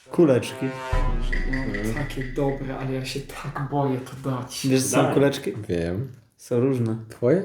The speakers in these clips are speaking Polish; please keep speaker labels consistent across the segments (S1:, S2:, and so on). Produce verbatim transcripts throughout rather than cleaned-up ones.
S1: Kuleczki.
S2: No, takie dobre, ale ja się tak boję to dać.
S1: Wiesz, co są
S3: Dawaj.
S1: kuleczki?
S4: Wiem.
S1: Są różne.
S4: Twoje?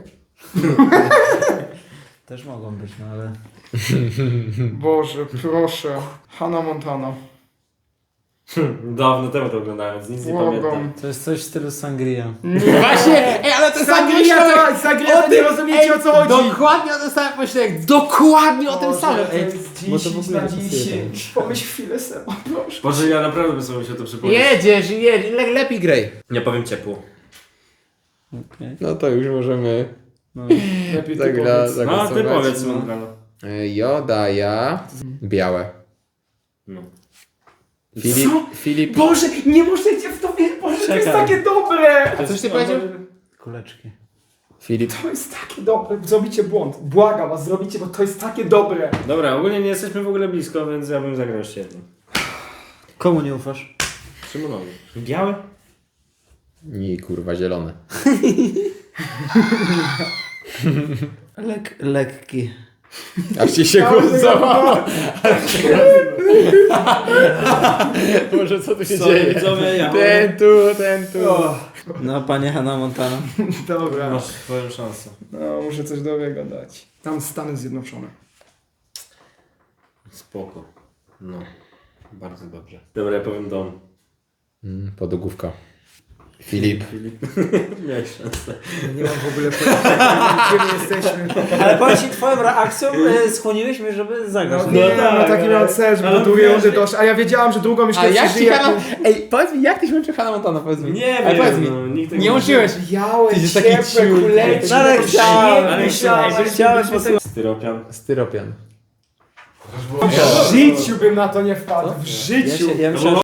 S1: Też mogą być, no ale...
S2: Boże, proszę. Hannah Montana.
S3: Dawno temu to oglądałem, więc nic nie
S2: Błagam.
S3: pamiętam.
S1: To jest coś w stylu sangria.
S4: Właśnie! Ej, ale to
S2: Sangria, to, sangria, to nie rozumiecie o co chodzi.
S4: Dokładnie o tym samym myślałem. Dokładnie o tym
S2: Boże,
S4: samym.
S2: to
S4: Ej,
S2: jest
S4: bo to w
S2: dziesięć
S4: ogóle
S2: na
S4: nie pasuje
S2: dziesięć. Pomyśl chwilę Seba, proszę.
S3: Boże, ja naprawdę bym sobie musiał to przypomnieć.
S4: jedziesz, jedziesz, le, lepiej graj.
S3: Nie powiem ciepło.
S1: Okej.
S4: No to już możemy
S1: No.
S2: Lepiej
S4: tak
S2: ty
S4: dla
S2: powiedz.
S3: No, a ty
S4: zagłosować.
S3: powiedz,
S1: no.
S3: Mondralo.
S4: E, Joda, ja. Białe.
S3: No.
S4: Filip.
S2: Co?
S4: Filip.
S2: Boże, nie możecie w to wierzyć, Boże, to jest
S1: Czekaj.
S2: takie dobre.
S4: A coś ty powiedział?
S1: Kuleczki.
S4: Filip.
S2: To jest takie dobre. Zrobicie błąd. Błagam was, zrobicie, bo to jest takie dobre.
S3: Dobra, ogólnie nie jesteśmy w ogóle blisko, więc ja bym zagrał jeszcze jedno.
S1: Komu nie ufasz?
S3: Szymonowi. Białe?
S4: I kurwa zielone.
S1: Lek, lekki.
S4: Aż ci się głos załamał. Boże, co tu się
S3: Sorry,
S4: dzieje?
S3: widzowie, ja
S4: Ten tu, ten tu.
S1: No, panie Hannah Montana.
S2: Dobra.
S3: Masz swoją szansę.
S2: No, muszę coś dobrego dać. Tam Stany Zjednoczone.
S3: Spoko. No. Bardzo dobrze. Dobra, ja powiem dom.
S4: Mm, podłogówka. Filip.
S3: Miałeś szansę.
S2: Nie mam w ogóle pojęcia, gdzie my jesteśmy.
S1: Ale powiem ci, twoją reakcją e, skłoniłeś mnie, żeby zagrać.
S2: No,
S3: No
S2: nie,
S3: tak,
S2: no taki
S3: ale-
S2: miał cel, żeby
S3: ale
S2: do drugiej
S3: wiesz,
S2: rundy
S3: że-
S2: doszło. A ja wiedziałam, że drugą myślę,
S4: A jak ci
S2: przeżyję.
S4: Hannah... Ej, powiedz mi, jak ty się łączy Hannah Montana, powiedz mi.
S3: Nie
S4: Ale
S3: wiem,
S4: powiedz mi.
S3: no, nikt tego
S4: Nie łączyłeś.
S2: Białe,
S4: Ty jesteś taki
S2: ciepłe,
S4: ciul.
S2: kuleczki.
S1: No, ale chciałem,
S3: ale
S2: myślałem,
S3: chciałem,
S2: że
S1: chciałem
S2: byśmy
S1: posłuchać.
S3: Styropian.
S4: Styropian.
S2: W życiu bym na to nie wpadł. W
S1: Ja,
S2: życiu.
S1: się, ja myślałem,